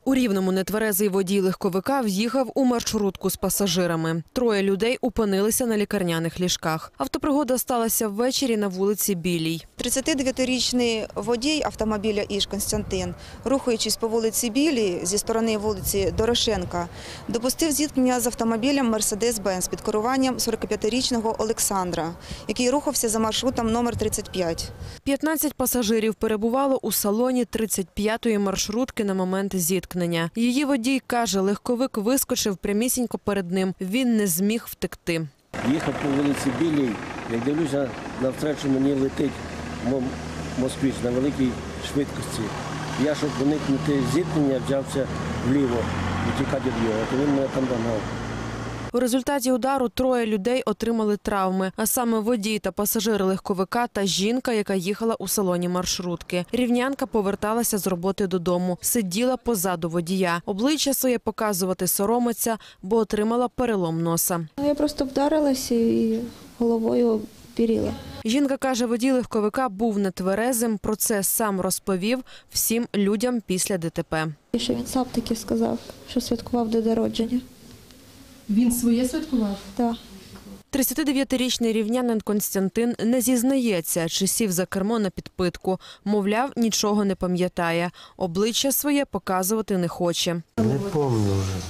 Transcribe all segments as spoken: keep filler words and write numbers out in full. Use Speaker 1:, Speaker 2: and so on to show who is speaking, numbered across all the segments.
Speaker 1: У Рівному нетверезий водій легковика в'їхав у маршрутку з пасажирами. Троє людей опинилися на лікарняних ліжках. Автопригода сталася ввечері на вулиці Білій.
Speaker 2: тридцятидев'ятирічний водій автомобіля «Іж» Костянтин, рухаючись по вулиці Білій зі сторони вулиці Дорошенка, допустив зіткнення з автомобілем «Мерседес-Бенц» під керуванням сорокап'ятирічного Олександра, який рухався за маршрутом номер тридцять п'ять.
Speaker 1: п'ятнадцять пасажирів перебувало у салоні тридцять п'ятої маршрутки на момент зіткнення. Її водій каже, легковик вискочив прямісінько перед ним. Він не зміг втекти.
Speaker 3: Їхав по вулиці Білій, як дивлюся, навстречу мені летить москвич на великій швидкості. Я, щоб уникнути зіткнення, взявся вліво, втікати від його, то він мене там догнав.
Speaker 1: У результаті удару троє людей отримали травми, а саме водій та пасажир легковика та жінка, яка їхала у салоні маршрутки. Рівнянка поверталася з роботи додому, сиділа позаду водія. Обличчя своє показувати соромиться, бо отримала перелом носа.
Speaker 4: Я просто вдарилася і головою перила.
Speaker 1: Жінка каже, водій легковика був нетверезим, про це сам розповів всім людям після ДТП.
Speaker 4: І що він сам таки сказав, що святкував день народження.
Speaker 5: Він своє святкував?
Speaker 4: Так.
Speaker 1: тридцятидев'ятирічний рівнянин Костянтин не зізнається, чи сів за кермо на підпитку. Мовляв, нічого не пам'ятає. Обличчя своє показувати не хоче.
Speaker 6: Не пам'ятаю вже.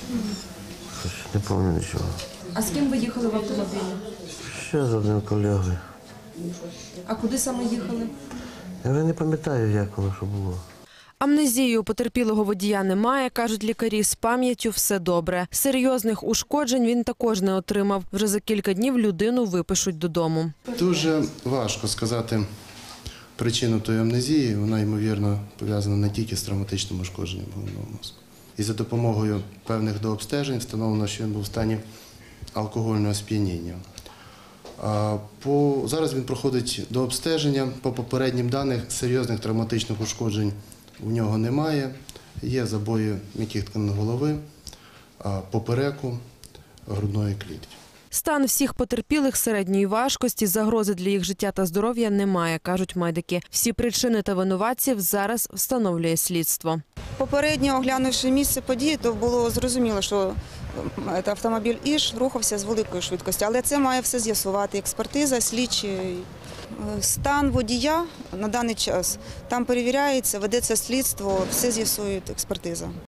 Speaker 6: Не пам'ятаю нічого.
Speaker 5: А з ким ви їхали в автомобілі?
Speaker 6: Ще з одним колегою.
Speaker 5: А куди саме їхали?
Speaker 6: Я вже не пам'ятаю, як воно що було.
Speaker 1: Амнезії у потерпілого водія немає, кажуть лікарі, з пам'яттю все добре. Серйозних ушкоджень він також не отримав. Вже за кілька днів людину випишуть додому.
Speaker 7: Дуже важко сказати причину тої амнезії. Вона, ймовірно, пов'язана не тільки з травматичним ушкодженням головного мозку. І за допомогою певних дообстежень встановлено, що він був в стані алкогольного сп'яніння. По... Зараз він проходить дообстеження. По попереднім даним серйозних травматичних ушкоджень у нього немає. Є забої м'яких тканин голови, попереку, грудної клітки.
Speaker 1: Стан всіх потерпілих середньої важкості, загрози для їх життя та здоров'я немає, кажуть медики. Всі причини та винуватців зараз встановлює слідство.
Speaker 2: Попередньо оглянувши місце події, то було зрозуміло, що автомобіль «Іж» рухався з великою швидкістю. Але це має все з'ясувати експертиза, слідчі. Стан водія на даний час там перевіряється, ведеться слідство, все з'ясує експертиза.